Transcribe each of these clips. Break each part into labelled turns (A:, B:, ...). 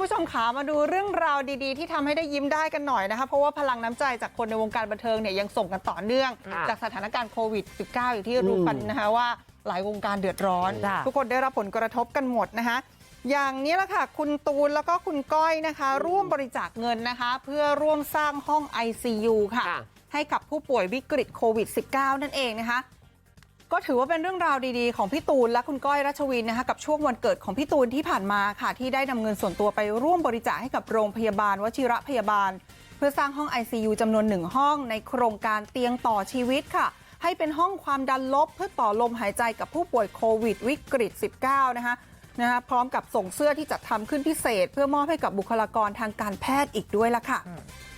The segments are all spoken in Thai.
A: ผู้ชมขามาดูเรื่องราวดีๆที่ทำให้ได้ยิ้มได้กันหน่อยนะคะเพราะว่าพลังน้ำใจจากคนในวงการบันเทิงเนี่ยยังส่งกันต่อเนื่องจากสถานการณ์โควิด -19 อย่างที่รู้กันนะคะว่าหลายวงการเดือดร้อนทุกคนได้รับผลกระทบกันหมดนะคะอย่างนี้แหละค่ะคุณตูนแล้วก็คุณก้อยนะคะร่วมบริจาคเงินนะคะเพื่อร่วมสร้างห้อง ICU ค่ะให้กับผู้ป่วยวิกฤตโควิด -19 นั่นเองนะคะก็ถือว่าเป็นเรื่องราวดีๆของพี่ตูนและคุณก้อยรัชวินนะคะกับช่วงวันเกิดของพี่ตูนที่ผ่านมาค่ะที่ได้นำเงินส่วนตัวไปร่วมบริจาคให้กับโรงพยาบาลวชิระพยาบาลเพื่อสร้างห้อง ICU จำนวน1ห้องในโครงการเตียงต่อชีวิตค่ะให้เป็นห้องความดันลบเพื่อต่อลมหายใจกับผู้ป่วยโควิดวิกฤต -19 นะคะพร้อมกับส่งเสื้อที่จัดทำขึ้นพิเศษเพื่อมอบให้กับบุคลากรทางการแพทย์อีกด้วยล่ะค่ะ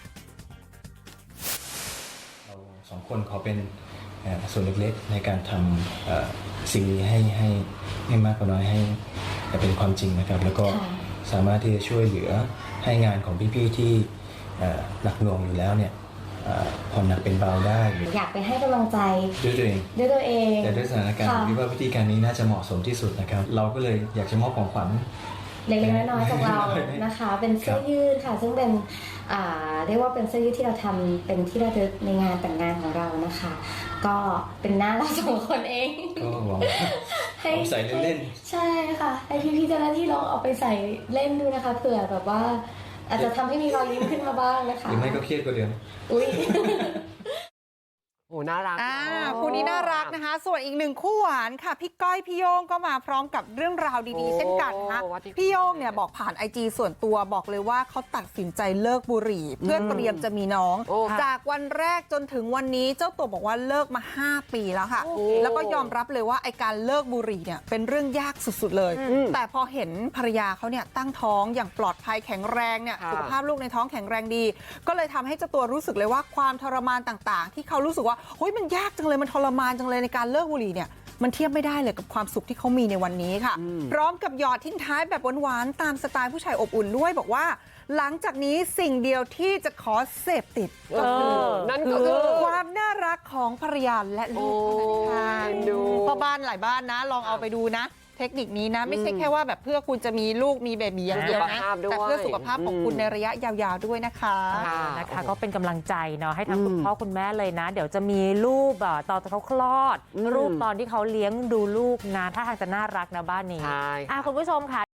B: เราสองคนขอเป็นส่วนเล็กๆในการทำสิ่งนี้ให้มากกว่าน้อยให้เป็นความจริงนะครับแล้วก็สามารถที่จะช่วยเหลือให้งานของพี่ๆที่หนักหน่วงอยู่แล้วเนี่ยผ่อนหนักเป็นเบาได้
C: อยากไปให้กำลังใจ
B: ด้วยตัวเองแต่ด้วยสถานการณ์คิดว่าวิธีการนี้น่าจะเหมาะสมที่สุดนะครับเราก็เลยอยากจะมอบของขวัญ
C: เล็กๆน้อยๆของเรานะคะเป็นเสื้อยืดค่ะซึ่งเป็นเรียกว่าเป็นเสื้อยืดที่เราทำเป็นที่ระลึกในงานแต่งงานของเรานะคะก็เป็นหน้าเราสองคนเอง
B: ก็หวังให้ใส่เล่น
C: ๆใช่ค่ะให้พี่ๆเจ้าหน้าที่ลองเอาไปใส่เล่นดูนะคะเผื่อแบบว่าอาจจะทำให้มีรอยยิ้มขึ้นมาบ้างนะคะ
B: หรือไม่ก็เครียดกว่าเดิม
C: อุ้ย
D: โอ้น่ารัก
A: คู่นี้น่ารักนะคะส่วนอีกหนึ่งคู่หวานค่ะพี่ก้อยพี่โย่งก็มาพร้อมกับเรื่องราวดีๆเช่นกันนะคะพี่โย่งเนี่ยบอกผ่าน IG ส่วนตัวบอกเลยว่าเขาตัดสินใจเลิกบุหรี่เพื่อเตรียมจะมีน้องจากวันแรกจนถึงวันนี้เจ้าตัวบอกว่าเลิกมา5 ปีแล้วค่ะแล้วก็ยอมรับเลยว่าไอการเลิกบุหรี่เนี่ยเป็นเรื่องยากสุดๆเลยแต่พอเห็นภรรยาเขาเนี่ยตั้งท้องอย่างปลอดภัยแข็งแรงเนี่ยสุขภาพลูกในท้องแข็งแรงดีก็เลยทำให้เจ้าตัวรู้สึกเลยว่าความทรมานต่างๆที่เขารู้สึกว่าเฮ้ยมันยากจังเลยมันทรมานจังเลยในการเลิกบุหรี่เนี่ยมันเทียบไม่ได้เลยกับความสุขที่เขามีในวันนี้ค่ะพร้อมกับหยอดทิ้งท้ายแบบหวานๆตามสไตล์ผู้ชายอบอุ่นด้วยบอกว่าหลังจากนี้สิ่งเดียวที่จะขอเสพติดก็คือ
D: นั่นก็คือ
A: ความน่ารักของภรรยาและลูกค่ะพ่อบ้านหลายบ้านนะลองเอาไปดูนะเทคนิคนี้นะไม่ใช่แค่ว่าแบบเพื่อคุณจะมีลูกมีเบบีอย่างเดียวนะแต่เพื่อสุขภาพของคุณในระยะยาวๆด้วยนะคะ
E: ก็เป็นกำลังใจเนาะให้ทั้งคุณพ่อคุณแม่เลยนะเดี๋ยวจะมีรูปตอนเขาคลอดรูปตอนที่เขาเลี้ยงดูลูกนะถ้าทางจะน่ารักนะบ้านนี้คุณผู้ชมค่ะ